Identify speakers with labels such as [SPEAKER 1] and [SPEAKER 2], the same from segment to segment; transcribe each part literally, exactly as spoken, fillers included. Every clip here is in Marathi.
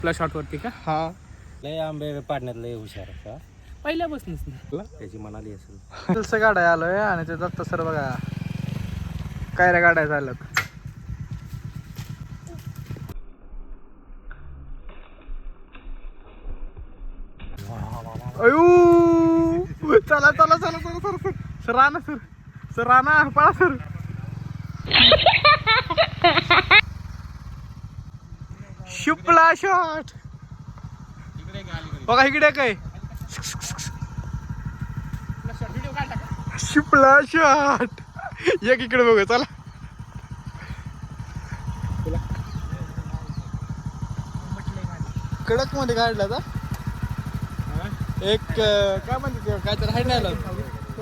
[SPEAKER 1] आपला शॉट वरती का?
[SPEAKER 2] हा
[SPEAKER 3] लय आंबे पाडण्यात लय हुशार का
[SPEAKER 1] पहिल्यापासूनच ना.
[SPEAKER 3] त्याची म्हणाली असेल.
[SPEAKER 2] दिलस गाड्या आलोय आणि ते दत्त सर बघा काय रे गाड्या झाल्यात. अयो चला चला चला चला sir sir sir Rana sir sir Rana पळा सर. शुपला शॉट बघा इकडे काय शुपला शॉट एक इकडे बघा चला. कडक मध्ये काढला का एक काय म्हणते काय तर हाय नाही आलं.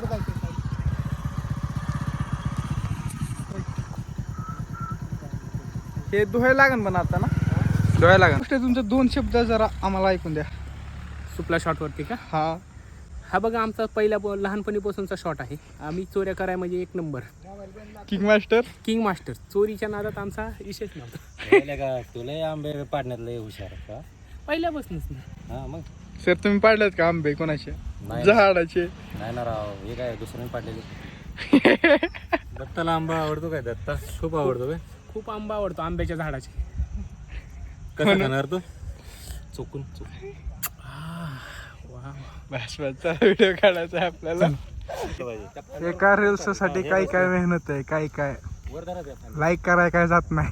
[SPEAKER 2] हे धुवायला लागेल पण आता ना धुवायला लागेल. तुमचे दोन शब्द जरा आम्हाला ऐकून द्या.
[SPEAKER 1] सुपला शॉट वरती का?
[SPEAKER 2] हा
[SPEAKER 1] हा बघा आमचा पहिल्या लहानपणीपासूनचा शॉट आहे. आम्ही चोऱ्या कराय म्हणजे एक number
[SPEAKER 2] king master
[SPEAKER 1] king master. चोरीच्या नादात आमचा विशेष नव्हता.
[SPEAKER 3] का तुला आंबे पाडण्यात लय हुशार का
[SPEAKER 1] पहिल्यापासूनच ना.
[SPEAKER 3] हा मग
[SPEAKER 2] सर तुम्ही पाडलेत का आंबे कोणाचे
[SPEAKER 3] नाही
[SPEAKER 2] झाडाचे?
[SPEAKER 3] नाही ना राव हे काय दुसऱ्याने पाडलेले. दत्ताला आंबा आवडतो काय? दत्ता खूप आवडतो काय?
[SPEAKER 1] खूप आंबा आवडतो आंब्याच्या झाडाचे.
[SPEAKER 3] कसं खाणार तू? चुकून चुकून
[SPEAKER 2] भाषणाचा व्हिडिओ काढायचा आहे आपल्याला. एका रील्स साठी काय काय मेहनत आहे काय काय लाईक कराय काय जात नाही.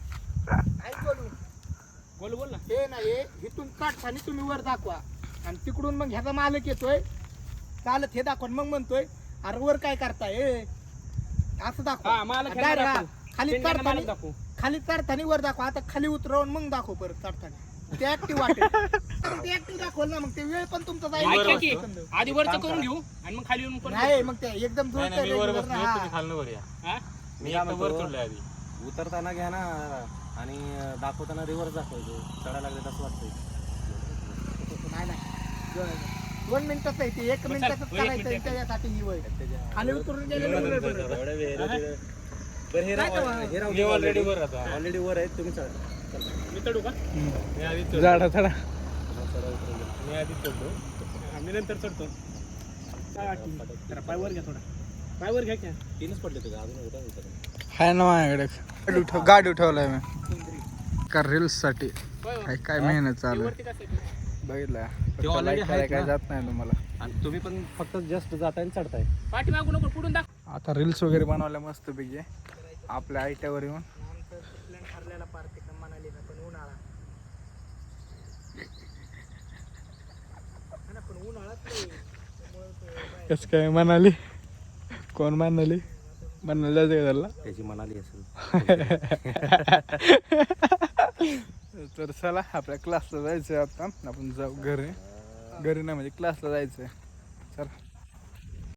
[SPEAKER 1] बोल बोल ना.
[SPEAKER 4] हे नाही इथून काढताना तुम्ही वर दाखवा आणि तिकडून मग ह्याचा मालक येतोय चालत हे दाखवा मग म्हणतोय अरे वर काय करताय हे? असं दाखवा.
[SPEAKER 1] हा, मालक
[SPEAKER 4] आणि
[SPEAKER 1] ह्याला
[SPEAKER 4] direct
[SPEAKER 1] दाखव.
[SPEAKER 4] हा, खाली
[SPEAKER 1] शेंड्याला मालक
[SPEAKER 4] चढताना
[SPEAKER 1] दाखव.
[SPEAKER 4] खाली चढताना वर दाखवा. आता खाली उतरवून मग दाखव परत चढताना ते ऍक्टिव्ह वाटेल. ते ऍक्टिव्ह दाखवलं ना मग ते वेळ पण तुमचा
[SPEAKER 1] ऐका
[SPEAKER 4] जाईल.
[SPEAKER 1] की, आधी वरचं करून घेऊ आणि मग खाली येऊन परत
[SPEAKER 4] नाही मग ते एकदम जोर
[SPEAKER 3] मी वर बसलो तुम्ही खाल्लं वर या.
[SPEAKER 1] हा?
[SPEAKER 3] मी आता वर चढलोय आधी. उतरताना घ्या ना आणि दाखवताना रिव्हर्स दाखवायचं. चढायला लागले तसं वाटतंय.
[SPEAKER 4] नाही नाही दोन मिनिटाच आहे ते एक मिनिटाच
[SPEAKER 1] वर एक
[SPEAKER 4] करायचं
[SPEAKER 1] मिनिट.
[SPEAKER 4] त्याच्यासाठी ही वय खाली उतरून गेलेलं वेळ बरं.
[SPEAKER 3] मी ऑलरेडी वर आता ऑलरेडी वर आहे तुम्ही चढा.
[SPEAKER 1] मी चढू का?
[SPEAKER 3] मी आधी चढलो.
[SPEAKER 2] झाडा चढा
[SPEAKER 3] मी आधी चढलो.
[SPEAKER 1] आम्ही नंतर चढतो. काय वाटतं? जरा पाय वर घ्या थोडा. पाय वर घ्या क्या.
[SPEAKER 3] तीनच पडले तुझ्या अजून होता होता.
[SPEAKER 2] हाय ना माझ्याकडे गाडी उठव गाडी उठवलाय मी का रील्स साठी. काय काय मेहनत चालू आहे
[SPEAKER 1] वरती कसं आहे?
[SPEAKER 2] बघितलं.
[SPEAKER 3] ते already
[SPEAKER 2] like करायला
[SPEAKER 3] आहेत
[SPEAKER 2] काय
[SPEAKER 3] ना.
[SPEAKER 2] जात नाही तुम्हाला.
[SPEAKER 3] आणि तुम्ही पण फक्त जस्ट जाताय आणि चढताय.
[SPEAKER 1] पाठीमागू नको पुढून दाख.
[SPEAKER 2] आता रील्स वगैरे बनवल्या मस्त पैकी आपल्या आयट्यावर येऊन.
[SPEAKER 4] प्लॅन ठरलेला पार्टी का म्हणाली ना पण उन्हाळा हा ना, पण उन्हाळाच
[SPEAKER 2] कस काय म्हणाली कोण म्हणाली म्हणाली जायचं का त्याला.
[SPEAKER 3] त्याची म्हणाली असेल.
[SPEAKER 2] तर चला आपल्या क्लासला जायचंय आता आपण जाऊ घरी घरी नाही म्हणजे क्लासला जायचंय चला.